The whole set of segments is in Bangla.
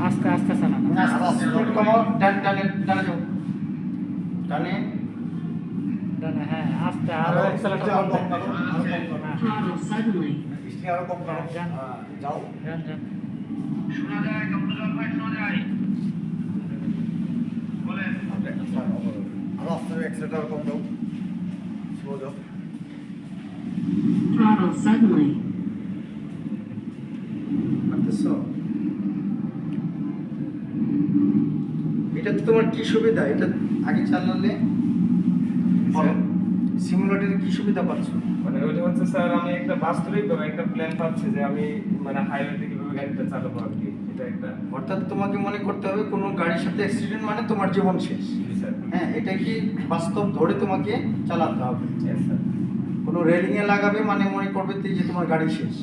আস্তে আস্তে চালানো। স্পিড কমাও, ডানে ডানে যাও, ডানে ডানে, হ্যাঁ আস্তে, আরো অ্যাক্সেলারেটর কম দাও। হ্যাঁ, Throttle suddenly. আরো কম করো, যান। যাও। যান যান। আরো আস্তে অ্যাক্সিলেটর কম দাও, স্লো যাও। Throttle suddenly. পারতেছো? এটাতে তোমার কি সুবিধা? এটা আগে চালালে সিমুলেটরে কি সুবিধা পাচ্ছ? মানে ওইটা হচ্ছে স্যার, আমি একটা বাস্তবিকভাবে একটা প্ল্যান পাচ্ছি যে আমি মানে হাইওয়েতে কিভাবে গাড়িটা চালাবো আর কি, এটা একটা। অর্থাৎ তোমাকে মনে করতে হবে কোনো গাড়ির সাথে অ্যাক্সিডেন্ট মানে তোমার জীবন শেষ। জি স্যার। হ্যাঁ, এটা কি বাস্তব ধরে তোমাকে চালাতে হবে। Yes, sir. কোনো রেলিংয়ে লাগাবে মানে মনে করবে যে তোমার গাড়ি শেষ।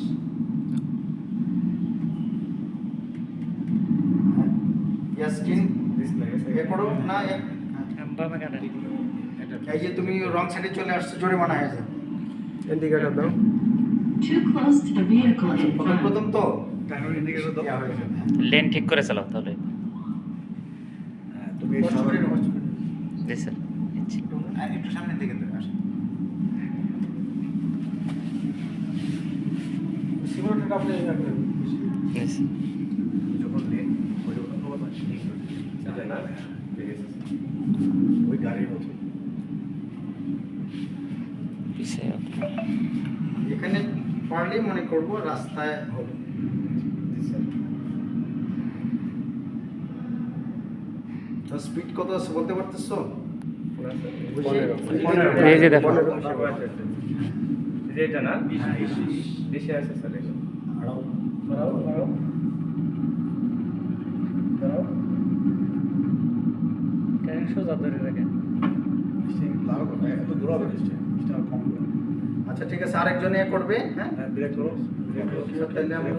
ইয়াসকিন ডিসপ্লে এ করো না, বামে কাটেন। এই যে তুমি রং সাইডে চলে আসছো, জরিমানা হয়ে যাবে। ইন্ডিকেটর দাও। Too close to the vehicle in প্রথম front. প্রথম তো ইন্ডিকেটর দাও, হয়ে যাবে। লেন ঠিক করে চালাও তাহলে। তুমি সামনে জি স্যার, নিচ্ছি। একটু সামনের দিকে আসো। সিমুলেটরটা আপনি রাখবেন জি স্যার। যখন লেন ওই এটা না? ঠিক আছে। ওই গাড়ির মতো পিছিয়ে এখানে পারলেই মনে করবো রাস্তায় হবে। জি স্যার। তো স্পিড কত আছে বলতে পারতেছো? এই যে দেখো। এই যে এটা না? বেশি আছে স্যার এটা। আড়াও কেন সোজা ধরে রাখেন। আচ্ছা ঠিক আছে, আরেকজন এ করবে। হ্যাঁ, ব্রেক করো তাহলে আমরা